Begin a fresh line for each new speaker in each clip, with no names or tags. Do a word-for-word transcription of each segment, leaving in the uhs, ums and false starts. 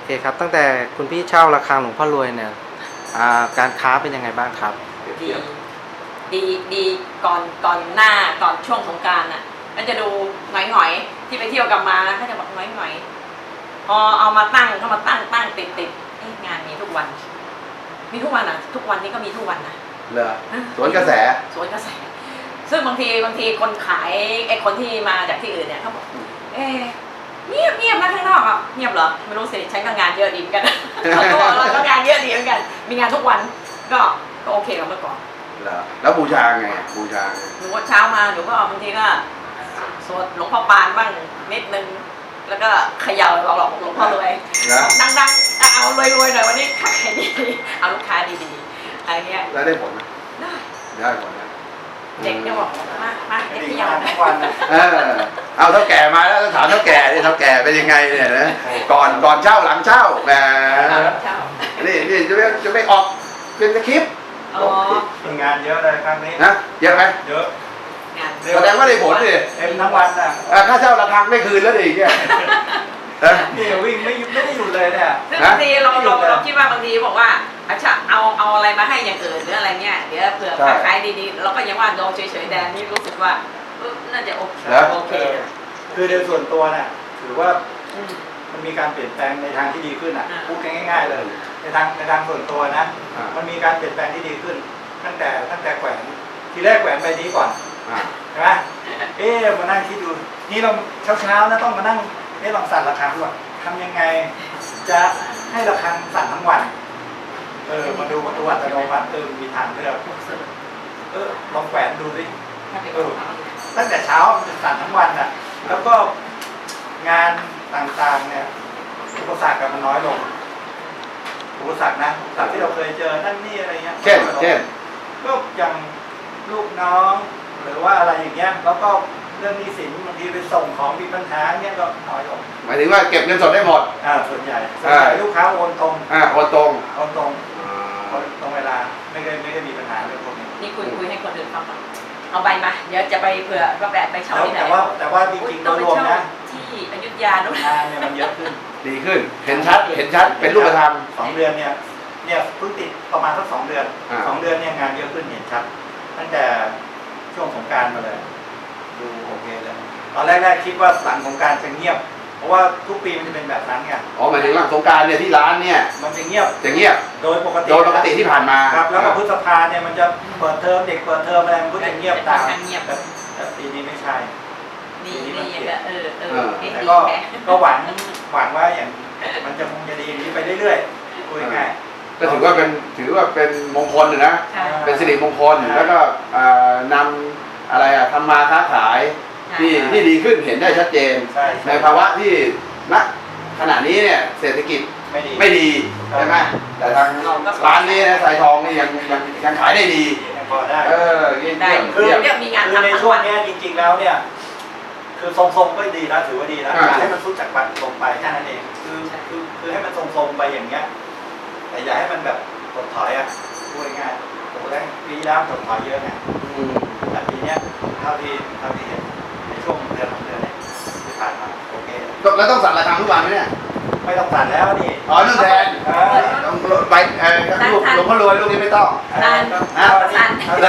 เคครับตั้งแต่คุณพี่เช่าระฆังหลวงพ่อรวยเนี่ยการค้าเป็นยังไงบ้างครับ
ดีดีดีก่อนก่อนหน้าก่อนช่วงสงกรานต์อ่ะก็จะดูหงอยๆที่ไปเที่ยวกลับมาเขาจะบอกหงอยๆพอเอามาตั้งเขามาตั้งตั้งติดติดงานมีทุกวันมีทุกวันอ่ะทุกวันนี้ก็มีทุกวันนะ
เหรอสวนกระแส
สวนกระแสซึ่งบางทีบางทีคนขายไอ้คนที่มาจากที่อื่นเนี่ยเขาบอกเอ๊เงียบเงียบนะข้างนอกอ่ะเงียบเหรอไม่รู้สิฉันก็งานเยอะดีเหมือนกันเราก็งานเยอะดีเหมือนกันมีงานทุกวันก็ก็โอเคกับเมื่อก่อน
เหรอแล้วบูชาไงบูชา
หนูว่าเช้ามาหนูก็บางทีก็สวดหลวงพ่อปานบ้างนิดนึงแล้วก็เขย่าหลอกหลวงพ่อรวยดังๆเอารวยๆหน่อยวันนี้ขายดีเอาลูกค้าดีๆอะไรเงี้ย
แล้วได้ผลไหม
ได้
ได้ผลนะ
เด็กเนี่ยบอกมามาเด็กเขย่า
ทุกวันเออเอาเท่าแก่มาแล้วถามเท่าแก่นี่เท่าแก่เป็นยังไงเนี่ยนะก่อนก่อนเช่าหลังเช่าแหมนี่นี่จะไม่จะไม่ออกเป็นคลิป
มีงานเยอะเลยครั้งนี้
นะเยอะไหม
เยอะ
แสดงว่าได้ผลดิ
เต็มทั้งวันอ่ะ
ค่าเช่าระฆังไม่คืนแล้วดิเนี่ย
นี่วิ่งไม่ไม่ได้หยุดเลยเนี่ย
ซึ่งบางทีเราเราเราคิดว่าบางทีบอกว่าอาจารย์เอาเอาอะไรมาให้อย่างอื่นหรืออะไรเงี้ยเดี๋ยวเผื่อขายดีๆเราก็ยังว่าโดนเฉยๆแดนนี่รู้สึกว่าน่าจะโอเคโอเค
คือในส่วนตัวเนี่ยถือว่ามันมีการเปลี่ยนแปลงในทางที่ดีขึ้นอ่ะพูดง่ายๆเลยในทางในทางส่วนตัวนะมันมีการเปลี่ยนแปลงที่ดีขึ้นตั้งแต่ตั้งแต่แขวนทีแรกแขวนใบนี้ก่อนใช่ไหมเอ๊ะมานั่งคิดดูนี่เราเช้าเช้านะต้องมานั่งเอ๊ะลองสั่นระฆังด้วยทำยังไงจะให้ระฆังสั่นทั้งวันเออมาดูมาดูอัตโนมัติเออมีทางเลือกเออลองแขวนดูสิเออตั้งแต่เช้าจะสั่นทั้งวันอ่ะแล้วก็งานต่างๆเนี่ยอุปสรรคมันน้อยลงอุปสรรคนะอุปสรรคที่เราเคยเจอนั่นนี่อะไรเงี้ย
เช่นเช่น
ก็อย่างลูกน้องหรือว่าอะไรอย่างเงี้ยแล้วก็เรื่องหนี้สินบางทีไปส่งของมีปัญหาเงี้ยก็น้อยลง
หมายถึงว่าเก็บเงินสดได้หมด
อ่าส่วนใหญ่ส่วนใหญ่ลูกค้าโอนตรง
อ่าโอนตรง
โอนตรงตรงเวลาไม่ได้ไม่ได้มีปัญหาเรื่องพวกนี้
นี่คุยคุยให้คนอื่นฟังเอาใบมาเดี๋ยวจะไปเผื่อก็แบบไปเช่าที่ไหน
แต่ว่าแต่ว่าจริงๆโดยรวมนะ
ที่อยุธยาด้วย
งานเนี่ยมันเยอะขึ้น
ดีขึ้นเห็นชัดเห็นชัดเป็นรูปธรรม
สองเดือนเนี่ยเนี่ยเพิ่งติดประมาณสักสองเดือนสองเดือนเนี่ยงานเยอะขึ้นเห็นชัดตั้งแต่ช่วงสงกรานต์มาเลยดูโอเคเลยตอนแรกๆคิดว่าหลังสงกรานต์จะเงียบเพราะว่าทุกปีมันจะเป็นแบบนั้นไง
อ๋อหมายถึงหลังสงกรานต์เนี่ยที่ร้านเนี่ย
มันจะเงียบ
จะเงียบ
โดยปกติ
โดยปกติที่ผ่านมา
ครับแล้วก็พฤษภาเนี่ยมันจะเปิดเทอมเด็กเปิดเทอมอะไรมันก็จะเงียบตามแต่ปีนี้ไม่ใช่
ปีนี้มันเปลี่ยนเออเออ
แต่ก็ก็หวังหวังว่าอย่างมันจะคงจะดีอย่างนี้ไปเรื่อยๆคุยง่าย
ก็ถือว่าเป็นถือว่าเป็นมงคลนะเป็นสิริมงคลแล้วก็นำอะไรอะทำมาค้าขายที่ที่ดีขึ้นเห็นได้ชัดเจนในภาวะที่ณขณะนี้เนี่ยเศรษฐกิจไม่ดีใช่ไหมแต่ทางร้านนี้นะสายทองนี่ยังยังยังขายได้ดี
พอได้
เออเยี่ยม
คือมีงาน
ทำในช่วงนี้จริงๆแล้วเนี่ยคือทรงๆก็ดีนะถือว่าดีนะให้มันสู้จากบัตรลงไปแค่นั้นเองคือคือคือให้มันทรงๆไปอย่างเงี้ยแต่อย่าให้มันแบบถดถอยอ่ะพูดง่ายๆโอ้โหได้ปีแล้วถดถอยเยอะไงแต่ปีนี้เท่าที่เท่าที่เห็นในช่วงเดือนสองเดือนเนี่ยที่ผ่านมาโอเค
แล้วต้องสั่นระฆังทุกวันไหมเนี่ย
ไม่ต้องสั่นแล้วนี่
อ๋อนึ่งแทนต้องไปเออลูกหลวงพ่อรวยลูกนี้ไม่ต้อง
สั่น
นะ
สั่น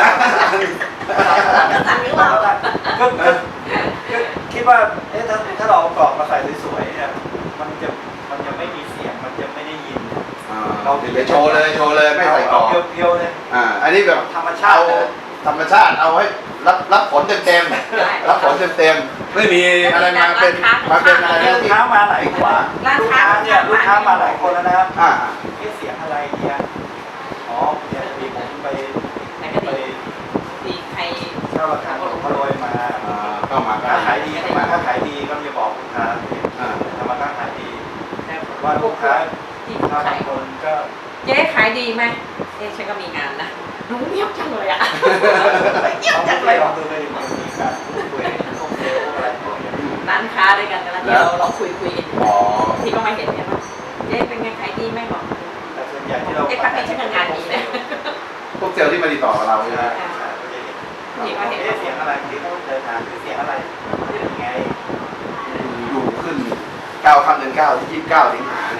สั่นหรือเปล่า
ก็คิดว่าเอ๊ะถ้าถ้าเรากรอบมาใส่สวยๆเนี่ยมันจะมันจะไม่มีเสียงมันจะไม่ได้ยิน
เราเดี๋ยวโชว์เลยโชว์เลยไม่ใส่กรอบ
เพียวๆเลย
อ่าอันนี้แบบ
ธรรมชาติ
ธรรมชาติเอาให้รับรับผลเต็มๆรับผลเต็มๆไม่มีอะไรมาเป็นมาเป็นอะไร
ลูกค้ามาหลายคนลูกค้าเนี่ยลูกค้ามาหลายคนแล้วนะครับ
อ่า
เสียงอะไรเนี่ยอ๋อเนี่ยมีผมไปไป
มีใคร
เช่าระฆังหลวงพ่อรวยมา
เข้ามา
ถ้าขายดีถ้าขายดีก็จะบอกลูกค้าทำมาค้าขายดีว่าลูกค้า
ที่
ขายคนก็
เจ๊ขายดีไหมเจ๊ฉันก็มีงานนะหนูเงียบจังเลยอ่ะเงียบจังเลย
ลองดูเลยมีการพูดคุยโอเคอะไร
ร้านค้าด้วยกันกันแล้วเดี๋ยวเราคุยคุยกันที่ก็มาเห็นเนี่ยว่าเจ๊เป็นไงขายดีไหมบอก
แต่ส่วนใหญ่ที่เรา
เจ๊พักนี้ฉันงานดีนะ
พวกเซลล์ที่มาติดต่อกับเราใช่ไหม
ที่เขาเห็นเสียงอะไรที่เขาเดินทางคือเสียงอะไรเป็นไง
อยู่ขึ้นเก้าค่ำเดือนเก้าที่ยี่สิบเก้าสิงหา